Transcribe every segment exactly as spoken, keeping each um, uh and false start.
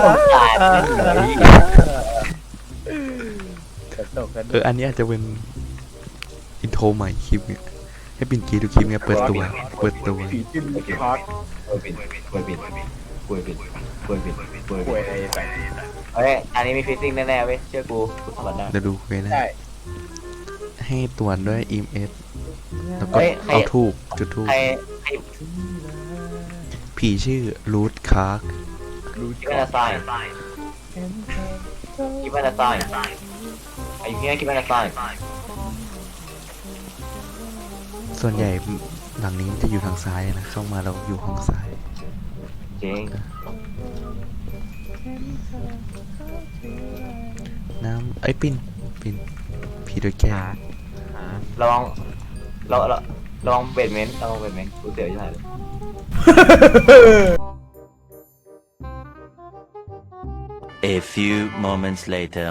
สงสารมันเลยกระตกกันเอออันนี้อาจจะเป็นอินโทรใหม่คลิปเนี่ยให้ปินกีดูคลิปเนี่ยเปิดตัวเปิดตัวผีจิ้มคอร์สป่วยบิดป่วยบิดป่วยบิดป่วยบิดป่วยป่บิวยดอะไรไปเฮ้ยอันนี้มีฟิซซิ่งแน่ๆเว้ยเชื่อกูกูทำมันได้เดี๋ยวดูเควสนะได้ให้ตรวจด้วย อี เอ็ม เอส แล้วก็เฮ้ยใครเอาทูบจุดทูบใครใครผีชื่อรูทคาร์กรู้คิดว่าจะตายคิดว่าจะตายไอ้เหี้ยคิดว่าจะตายส่วนใหญ่หลังนี้มันจะอยู่ทางซ้ายนะเข้ามาเราอยู่ห้องซ้ายจริงน้ำไอ้ยปินปินผีโดยแก้วระวังเราเราระวังเบดเมนต์ระวังเบดเมนต์กูเสียวใช่ไหมเลย A few moments later.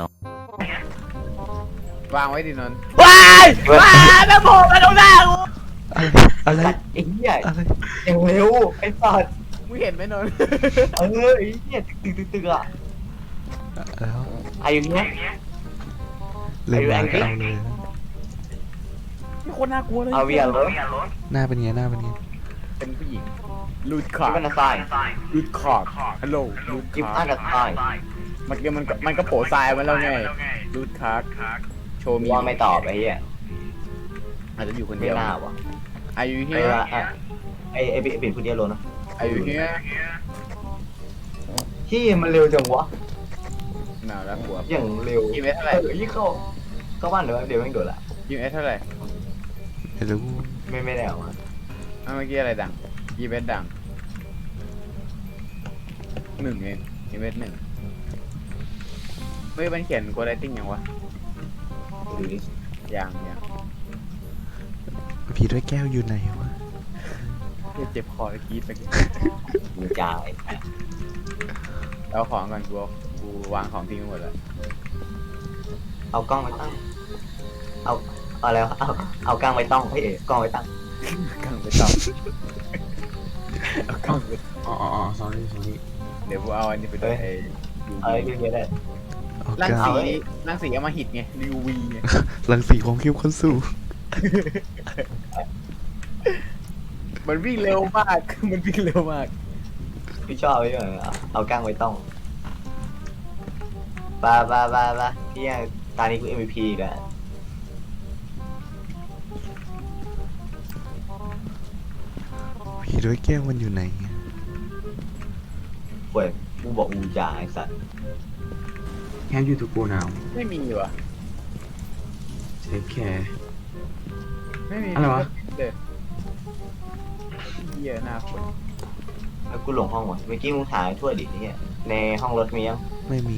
วางไว้ดินนท์ว้ายว้ายแม่โผล่มาตรงหน้ากูอะไรไอ้เหี้ยอะไรอย่างเร็วไอ้สัตว์มึงเห็นไหมนนท์เออไอ้เหี้ยตึกตึกตึกอ่ะแล้วอายุเนี้ยเลยมาก็ Are you เอาเลยนี่โคตรน่ากลัวเลยเอาเวียร์รถหน้าเป็นไงหน้าเป็นไงเป็นผู้หญิงลูดคคิอดร์ว่าดจะตายลูดคอร์ดฮัลโหลลูดคิดคอว่าร์ดจะตายมันก็มันก็มันก็โผล่ทรายมาแล้วไงลูดคาร์ดโชว์มีว่าไม่ตอบไอ้เหี้ยอาจจะอยู่คนไม่เดียวน่าวะอายุเฮีไอ้ยละไอ้ไอ้ไอ้เป็นคนเดียวโลนะอายุเฮียที่มันเร็วจังวะหนาวแล้วหัวอย่างเร็วกี่เมตรเท่าไหร่เออยี่เข้าเข้าบ้านเดี๋ยวเดี๋ยวแม่งโดดละกี่เมตรเท่าไหร่ไม่รู้ไม่ไม่ได้ออกมาอ่ะเมื่อกี้อะไรดังกี่เมตรดังหนึ่งเองกี่เมตรหนึ่งเฮ้ยมันเขียนโกดไลติ้งยังวะดูดิยังยังผีด้วยแก้วอยู่ไหนวะเจ็บคอแล้วกรีดไปมีจ่ายเอาของก่อนกูกูวางของทิ้งหมดแล้วเอากล้องไปตั้งเอาเอาแล้วเอาเอากล้องไปต้องเฮ้ยกล้องไปตั้งกางไปต่อเอากางไปอ๋ออ๋อ sorry sorry เดี๋ยวกูเอาอันนี้ไปด้วยไอ้เอาไอ้เรื่องนี้ได้เอาร่างก้าสีเอาไว้ร่างสีเอามาหิดไงรีวีไงรังสีของคิวคนสู่มันวิ่งเร็วมาก มันวิ่งเร็วมากพี่ชอบไอ้เรื่องเอาเอากล้องไปต้องบาบาบาบาพี่ตอนนี้กู เอ็ม วี พี อีกันผีด้วยแก้วมันอยู่ไหนอะเว้ยกูบอกอูจ่าไอ้สัตว์ Can you to go now? ไม่มีวะ Take care. ไม่มีอะไรวะเด้อเหี้ยหน้าฝนแล้วกูหลงห้องวะเมื่อกี้มึงถ่ายทั่วดิเนี่ยในห้องรถมียังไม่มี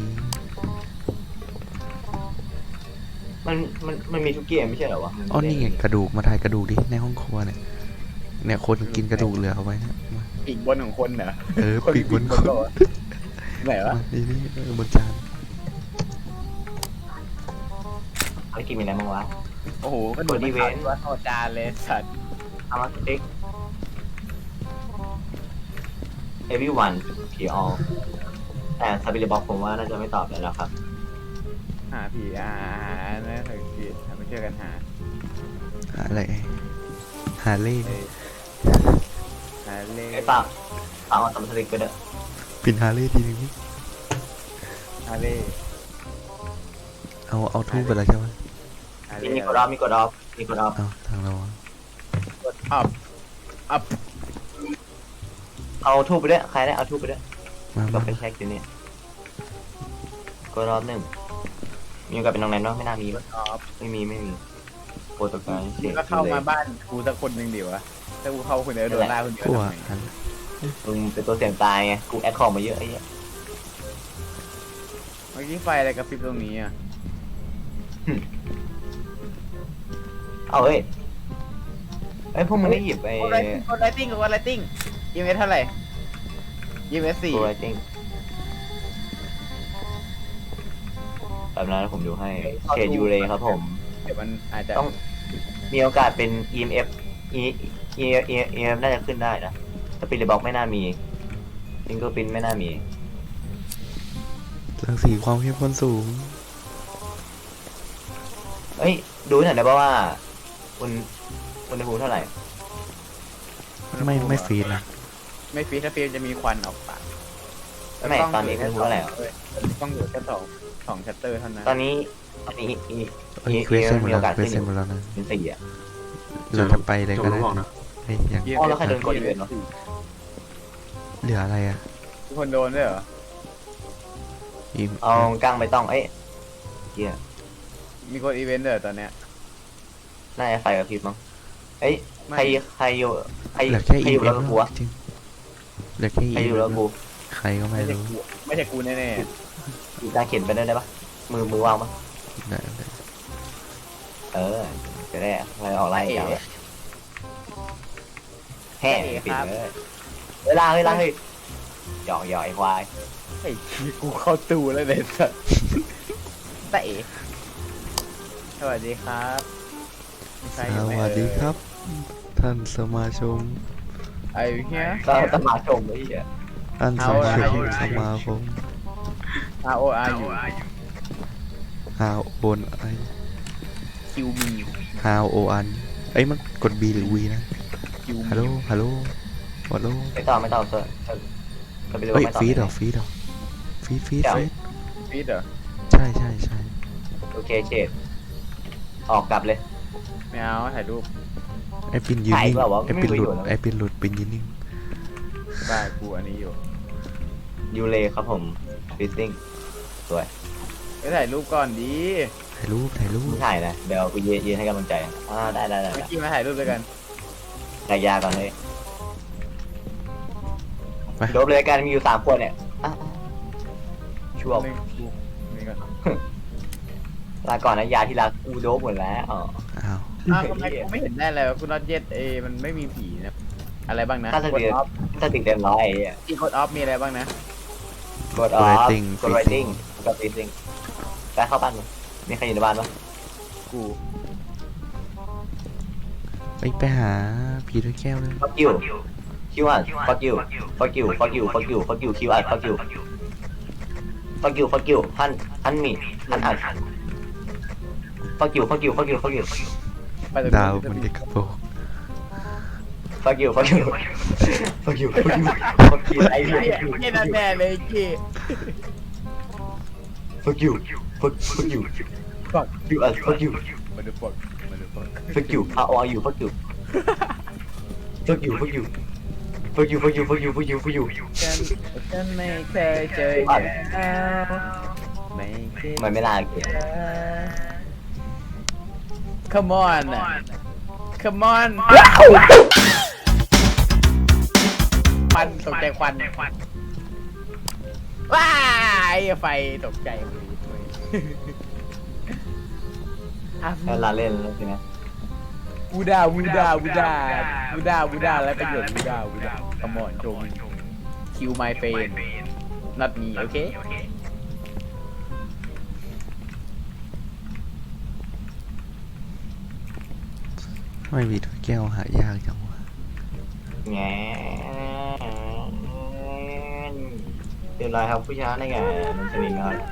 มันมันมันมีทุกเกมไม่ใช่เหรอวะอ๋อนี่ไงกระดูกมาถ่ายกระดูกดิในห้องครัวเนี่ยเนี่ยคนกินกระดูกเหลือเอาไว้เนี่ยมาปีกบนของคนเหรอเออปีกบนคนโต๊ะไหนวะมานี่นี่เออบนจานไอ้กินมีอะไรบ้างวะโอ้โหกระดูกบริเวณตัวโอจานเลยสัตว์เอามาสติ๊ก everyone ผีออแต่ซาบิลบอกผมว่าน่าจะไม่ตอบแล้วนะครับหาผีอาหานะถึงผีมาช่วยกันหาหาอะไรหาเล่หาเล่ไอ้ปากปากเอาสมสติ๊กก็ได้ปินหาเล่ทีนึงหาเล่เอาเอาทูบไปแล้วใช่ไหมหามีเล่มีกดออฟมีกดออฟมีกดออฟเอาทางเราอะกดอัพอัพเอาทูบไปด้วยใครได้เอาทูบไปด้วยมาก็มาไปเช็คอยู่นี่กดออฟหนึ่งมีกับเป็นน้องแนนวะไม่น่ามีกปะดอัพไม่มีไม่มีโปรโตไกด์เสียงก็เข้ามาบ้านกูสักคนหนึ่งดิวะถ้ากูเข้าคนเดียวโดนล่าคนเดียวกลัวทำไงอันมึงเป็นตัวเสี่ยงตายไงกูแอดคอมมาเยอะไอ้เหี้ยเมื่อกี้ไฟอะไรกระพริบตรงนี้อ่ะเอาเฮ้ยไอ้ยพวกมึงได้หยิบไอ้กดไลติ้งกดไลติ้งยีเมสเท่าไหร่ยีเมสสี่ตัวไรติ้งแบบนั้นผมดูให้เชดยูเรครับผมเดี๋ยวมันอาจจะต้องมีโอกาสเป็น อี เอ็ม เอฟ E E E E M น่าจะขึ้นได้นะสปิริตบ็อกไม่น่ามีฟิงเกอร์พินไม่น่ามีรังสีความเข้มข้นสูงเอ้ยดูหน่อยได้ป่าว่าอุณอุณหภูมิเท่าไหร่ไม่ไม่ฟีดนะไม่ฟีดถ้าฟีดจะมีควันออกปากไม่ตอนนี้อุณหภูมิเท่าไหร่อะต้องเหลือแค่สองสองชัตเตอร์เท่านั้นตอนนี้ตอนนี้อีเอ้ยเควสเซ็นหมดมีแล้โอวกาสเควสขึ้นอเซ็นยู่หมดแล้วนะเป็นสี่อ่ะเราจะไปเลยจบก็แล้ได้วบอกนะเฮ้ยยังอ๋อแล้วใครโดนกดอีเวนต์วะเหลืออะไรอ่ะทุกคนโดนด้วยเหรออีมเอากลางไปต้องเอ้ยเหี้ยมีคนอีเวนต์ด้วยเหรอตอนเนี้ยน่าจะไฟกับพริบมั้งเอ้ยไม่ใครใครอยู่ใครเหลือแค่ใครอีอยู่เวแล้นวต์กูวะจริงเหลือแค่อีใครอยู่เวแล้วนต์กูใครก็ไม่ไม่ใช่รู้กูไม่ใช่กูแน่อีกตาเข็นไปได้ได้ปะมือมือวางปะได้ได้เออจะได้อะไรออกไล่ยาวแห่ปิดเลยเวลาเวลาเฮ้ยหยอกหยอกไอ้ควายๆไอ้ที่กูเข้าตูแล้วเนี่ยสัสตะเอ๋สวัสดีครับมีใครอยู่สไหมวัสดีครับ ท่านสมาชมไอ้เฮียก็สมาชมไอ้เหี้ยท่านสเอามาอะไรชมสมาคม R O R อยู่ฮาวโอนไอคิวมีฮาวโออันเอ้ยมันกด B หรือ V นะคิวมีฮัลโหลฮัลโหลฮัลโหลไม่ต้องไม่ต้องเซอร์เซอร์ก็ไปเรียกเฮ้ยว่าไม่ต้องฟีดเหรอฟีดเหรอฟีดฟีดฟีดฟีดเหรอใช่ใช่ใช่โอเคเชดออกกลับเลยไม่เอาถ่ายรูปไอปินยืนนิ่งถ่ายเปล่าวะไอปินหลุดไม่มีประโยชน์นะไอปินหลุดปินยืนนิ่งได้กูอันนี้อยู่ยูเลครับผมฟิตติ้งสวยไปถ่ายรูปก่อนดีถ่ายรูปถ่ายรูปไม่ถ่ายนะเดี๋ยวกูยืนยืนให้กำลังใจอ่าได้ได้ได้เมื่อกี้มาถ่ายรูปด้วยกันได้ยาก่อนเลยโดบเลยกันมีอยู่สามคนเนี่ยอ่ะช่วงหนึ่งกูนี่ก่อนลาก่อนนะยาที่รักกูโดบหมดแล้วอ๋ออ้าวอ้าวทำไมกูไม่เห็นได้เลยว่ากูน็อตเย็ดเอมันไม่มีผีนะอะไรบ้างนะถ้าสกดติออฟถ้าติดเต็มร้อยไอ้เหี้ยอีกดออฟมีอะไรบ้างนะกดออฟกดไรติ้งกดฟิตติ้งไปเข้าบ้านมั้ยมีใครอยู่ในบ้านปะกูไปไปหาผีด้วยแก้วเลย fuck you คิวอ่ะ fuck you fuck you fuck you fuck you fuck you คิวอ่ะ fuck you fuck you fuck you ฮันฮันมีฮันอ่ะ fuck you fuck you fuck you fuck you ไปตรงดาวนี้มันเด็กกระโปง fuck you fuck you fuck you fuck you fuck you ไอ้เหี้ยเหี้ยนั่นแน่เลยกี้ fuck you fuck fuck you fuck you อ่ะ fuck you มาดู fuck มาดู fuck fuck you how are you fuck you fuck you fuck you fuck you fuck you fuck you fuck you fuck you ฉันฉันไม่เคยเจอแล้วไม่เคยมันไม่น่าเกลียด Come on Come on ควันตกใจควันว้ายไฟตกใจเลยแล้วลาเล่นแล้วใช่ไหมวูดาวูดาวูดาวูดาวูดาและประโยชน์วูดาวูดา Come on จง Kill my friend not me โอเคทำไมผีด้วยแก้วหายากจังวะแง่เรียบร้อยครับผู้ชนะได้ไงมันจะมีงาน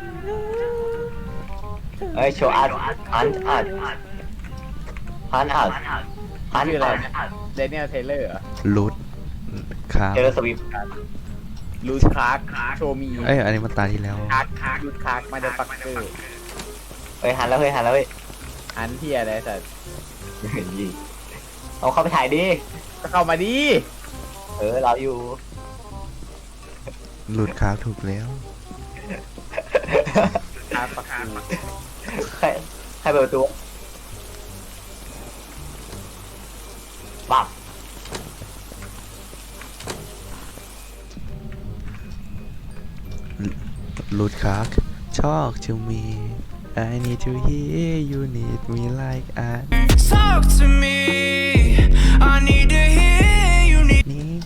เอ้ยโชว์อัดฮันอัดฮันอัดฮันชื่ออะไรอัดเดนิเอลเทเลอร์รูทครับเจอสวิฟลูสคาร์กโชมีเอ้ยอันนี้มันตาที่แล้วคาร์กคาร์กลูสคาร์กมาเดฟักเกอร์เฮ้ยหันแล้วเฮ้ยหันแล้วเฮ้ยอันที่อะไรสัตว์ยิงเอาเข้าไปถ่ายดิก็เข้ามาดิเออเราอยู่หลุดครับถูกแล้วคาร์กฟักกูใครใครเปิดประตูปับหลุดครับ talk to me I need to hear you need me like I Talk to me. I need to hear you. Need need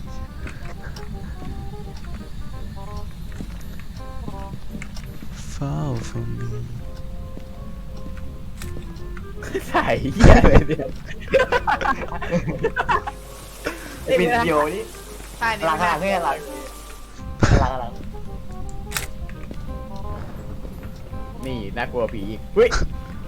fall for me ใส่เหี้ยอะไรเนี่ยปิดโยนี่ท่านี้หลังหลังเพื่อนหลังหลังหลังนี่น่ากลัวผีอีกเฮ้ย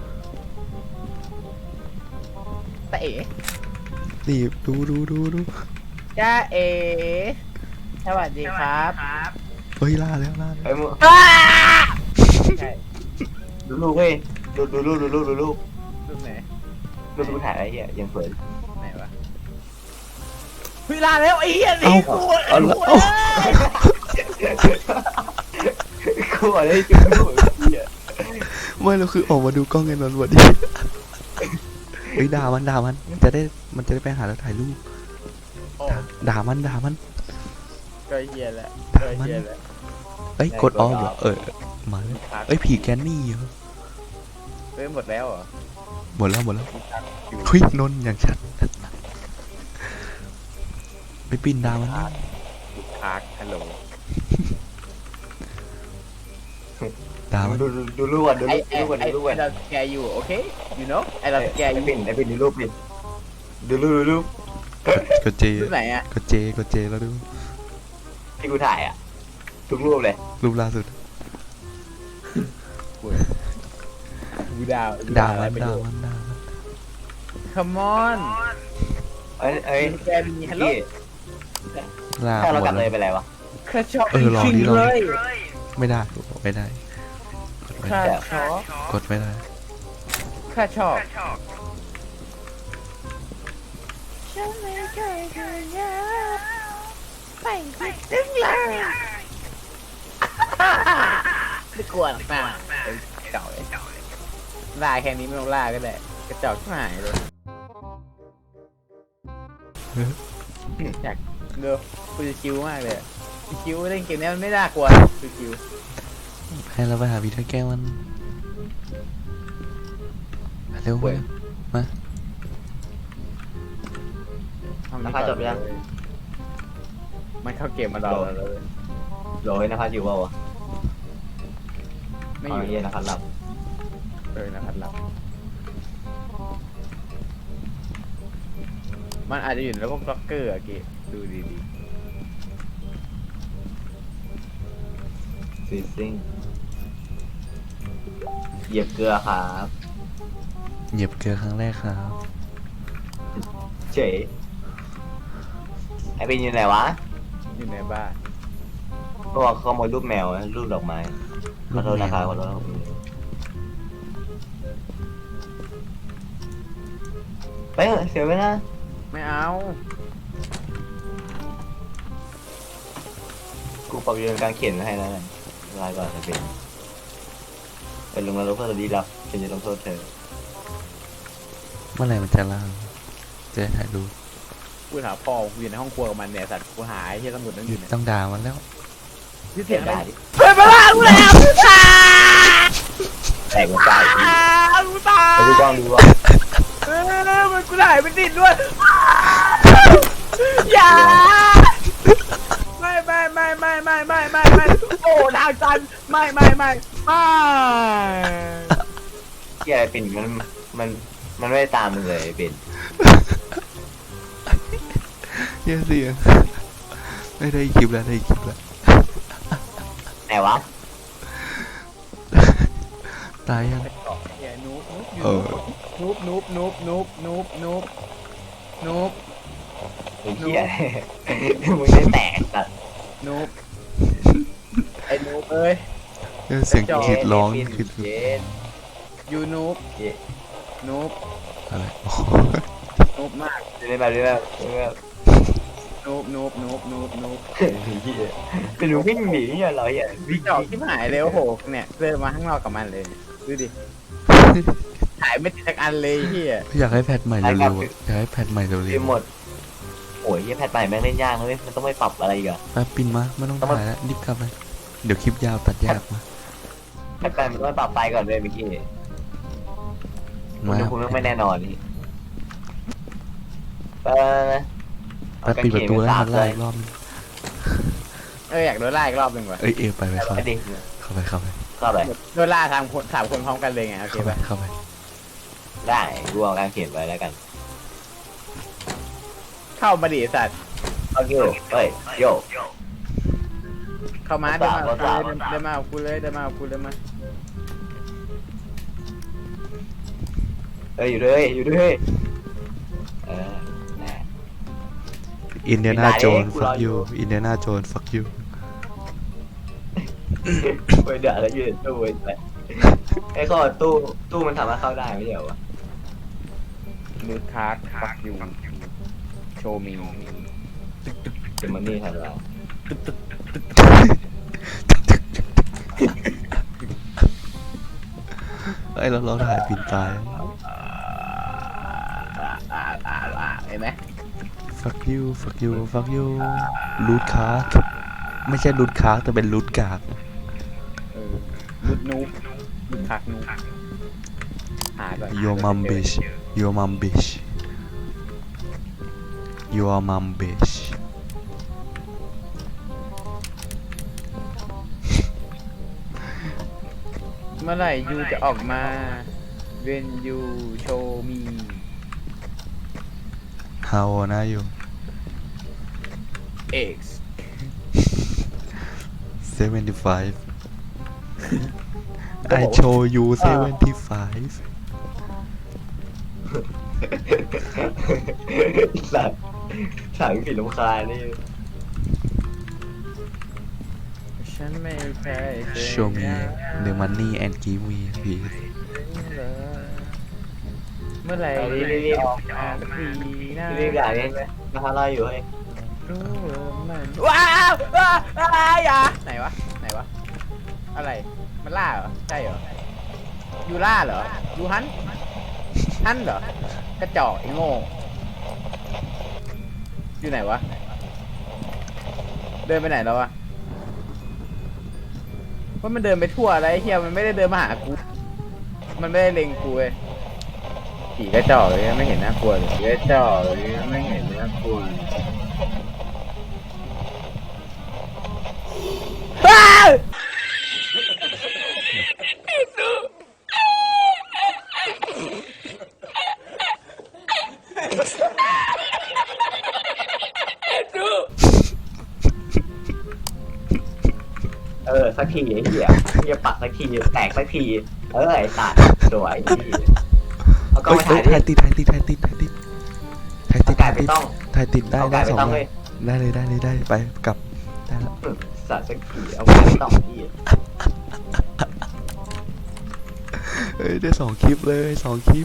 ตาเอ๋นี่ดูดูดูดูจ้าเอ๋สวัสดีครับเฮ้ยล่าแล้วล่าแล้วเฮ้ยมึงใช่ดูลูกเฮ้ยดูดูลูกดูลูกดูลูกรูปไหนดูลูกถ่ายอะไรเหี้ยยังเปิดไหนวะเฮ้ยลาแล้วไอ้เหี้ยหนีกูเอาละเอ้ยกูบอกเลยจุดลูกเหี้ยไม่เราคือออกมาดูกล้องกันนอนวันนี้เฮ้ยด่ามันด่ามันจะได้มันจะได้ไปหาแล้วถ่ายรูปโอ้ด่ามันด่ามันก็เหี้ยแหละด่าก็มันเหี้ยแหละเอ้ยกดออฟเหรอเออมาแล้วพักเอ้ยผีแกนนี่เหรอเฮ้ยหมดแล้วเหรอหมดแล้วหมดแล้วพักอยู่เฮ้ยนนท์อย่างชัดไปปีนดาวมันดิพักฮัลโหลดาวมันดูดูดูลูกก่อนดูไอ้ลูกไอ้ดูลูกก่อนไอ้ดูลูกก่อนเราแกอยู่โอเค you know ไอ้เราแกอไอ้ยู่ปิ่นไอ้ปิ่นดูรูปปิ่นดูรูปดูรูปกดเจรูปไหนอะกดเจกดเจแล้วดูที่กูถ่ายอ่ะทุกรูปเลยรูปล่าสุดกูดาวด่าอะไรมันประโยด่าชน์มันด่ามัน come on เอ้ยเอ้ยแกมีฮัลโหลพี่ล่าถ้าเราหมกลัดบเลแล้ยว ไปไหนวะข้าชอบเออลองจริงดิลองๆเลยไม่ได้ไม่ได้กดไม่ข้าได้ชอบกดไม่ได้ข้าชอบไม่กลัวหรอกนะเอ้ยเก่าเลยล่าแค่นี้ไม่ต้องล่าก็ได้กระจอกชิบหายเลยอยากเดี๋ยวกูจะคิวมากเลยอะคิวเล่นเกมนี้มันไม่น่ากลัวคือคิวให้เราไปหาพีเตอร์แก้วมันมาเร็วมาเร็วมาราคาจบยังมันเข้าเกมมาเราแล้วเลยโหลยนภัสอยู่เปล่าวะไม่อ๋ออยู่ เย็นนภัสหลับเออนะครับหลับมันอาจจะอยู่ในระบบบล็อกเกอร์อะเกดูดีซีซิ่งเหยียบเกลือครับเหยียบเกลือครั้งแรกครับเฉยไอ้ปิ่นอยู่ไหนวะๆอยู่ในบ้านก็บอกขโมยรูปแมวนะรูปดอกไม้ขอโทษนะครับขอโทษครับไปเถอะเสียเวลาไม่เอากูปรับเรื่องการเขียนไว้ให้แล้วนะลาก่อนจะเป็นเป็นลงนรกเพื่อจะดีรับฉันจะลงโทษเธอเมื่อไหร่มันจะล่างจะได้ถ่ายรูปกูถามพ่อกูอยู่ในห้องครัวกับมันเนี่ยสัตว์กูหายที่ตำรวจนั่นอยู่เนี่ยต้องด่ามันแล้วที่เสีเสียยงอะไรดายดิเปิดมาล่ากูแล้วแตกหัวใจกูตายไปดูกล้องดูว่าเออมันกูถ่ายไม่ติดด้วยอย่าไม่ไม่ไม่ไม่ไม่ไม่ไม่ไม่โอ้ทางตันไม่ไม่ไม่ไม่เกี่ยอะไรปิ่นมันมันมันไม่ได้ตามมึงเลยปิ่นเยอะเสียงไม่ได้คลิปแล้วได้คลิปแล้วไหนวะตายยังเหี้ยนูบเออนูบนูบนูบนูบนูบนูบนูบไอ้เหี้ยมึงได้แตกสัตว์นูบไอ้นูบเอ้ยเออเสียงกรีดร้องปิ่นกรีดเย็นยูนูบเย็นนูบอะไรโอ้โหนูบมากเรื่อยๆเรื่อยๆเรื่อยนูบนูบนูบนูบนูบๆเหี้ยเป็นหนูวิ่งหนีเนี่ยเหรอเหี้ยวิ่งจอกที่หายเลยโอ้โหเนี่ยเดินมาข้างนอกกับมันเลยดูดิถ่ายไม่ติดสักอันเลยพี่อ่ะอยากให้แพทใหม่เร็วๆอะอยากให้แพทใหม่เร็เรียว หมดโอ้ยเหี้ยแพทใหม่แม่งเล่นยากนะเลยมันต้องไปปรับอะไรอีกอะๆแป๊บปินมาไม่ต้องถ่ายแล้วรีบกลับเลยเดี๋ยวคลิปยาวตัดยากมาแพทใหม่มันต้องไปปรับไฟก่อนเลยเมื่อกี้คุณมาดูคุณต้องไม่แน่นอนนี่ไปแป๊บปิดประตูแล้วให้มันไล่อีกรอบนึงเอออยากโดนล่าอีกรอบหนึ่งว่ะเอ้ยเอวไปไปเข้าไปไปดิเข้าไปเข้าไปเข้าไปโดนล่าทางคนสามคนพร้อมกันเลยไงโอเคเข้าไปป่ะเข้าไปได้รวมการเขียนไว้แล้วกันเข้ามาดิสัตว์โอเคเฮ้ยโยเข้ามาเดินมาภาษาเดินมาเอากูเลยเดินมาเอากูเลยมาออยู่ด้วยอยู่ด้วยเออนะอินเดียนาโจนกูร fuck ออยู่ you อินเดียนาโจน fuck you ไปเดือดแล้วยืนตู้ไอ้แต่ไอ้ข้อตู้ตู้มันทำให้เข้าได้ไม่ใช่เหรอวะนูดคาร์ดฟักยูโชว์มีเดี๋ยวมันนี่ทำอะไรไอ้ยเราเราถ่ายปินตายเห็นไหม fuck you fuck you fuck you รูทคาร์ไม่ใช่รูทคาร์แต่เป็นรูทกากเออลุดนูบลุดคักนูบหาก่อน your mom bitch your mom bitch your mom bitch เมื่อไหร่ยูจะออกมา when you show me how old are you X seventy-five I show you seventy-five สัตว์สั่งผิดลำคาญนี่ฉันไม่เคยเจอ show me the money and give me please เมื่อไหร่รีบรีบรีบออกมาสักทีนะรีบด่าเนี่ยนะคะรออยู่เฮ้ยรู้ว่ามันว้าวว้าวว้าวอย่าไหนวะไหนวะอะไรมันล่าเหรอใช่เหรอยูล่าเหรอยูฮันฮันเหรอกระจอกไอ้โง่อยู่ไหนวะเดินไปไหนแล้ววะว่ามันเดินไปทั่วอะไรเฮียมันไม่ได้เดินมาหากูมันไม่ได้เล็งกูเลยผีกระจอกเลยไม่เห็นน่ากลัวเลยผีกระจอกเลยไม่เห็นน่ากลัวอ้าวเออสักทีไอ้เหี้ยเหี้ยปักสักทีแตกสักทีเออไอ้สัตว์สวยไอ้เหี้ยเอากล้องเอ้ยมาถ่ายถ่ายดิติดถ่ายติดถ่ายติดถ่ายติดถ่ายติดเอาไก่ไปต้องถ่ายติดได้เอาไก่ได้ไปสองต้องอเลย่าย งได้เลยได้เลยได้ไปกลับได้แล้วสัตว์สักทีเอาไก่ไปต้องที่เอ้ยได้สองคลิปเลยสองคลิป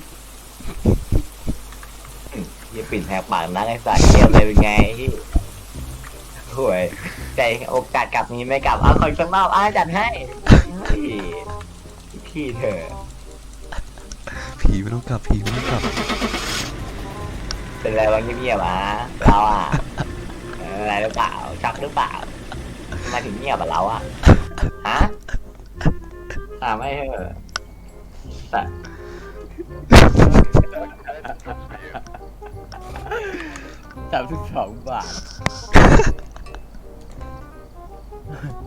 เหี้ยปิ่นแหกปากนักไอ้สัตว์เกมเลยเป็นไงที่ห่วยใจโอกาสกลับนี้ไม่กลับเอาคอยสักรอบอ้าจัดให้เฮ้ยพี่เธอผีไม่ต้องกลับผีไม่ต้องกลับเป็นไรวะเงียบๆอ่ะเราอ่ะเอออะไรหรือเปล่าช็อกหรือเปล่าทำไมาถึงเงียบอ่ะเราอ่ะฮะถามไม่เหรอแต่สามสิบสองบาท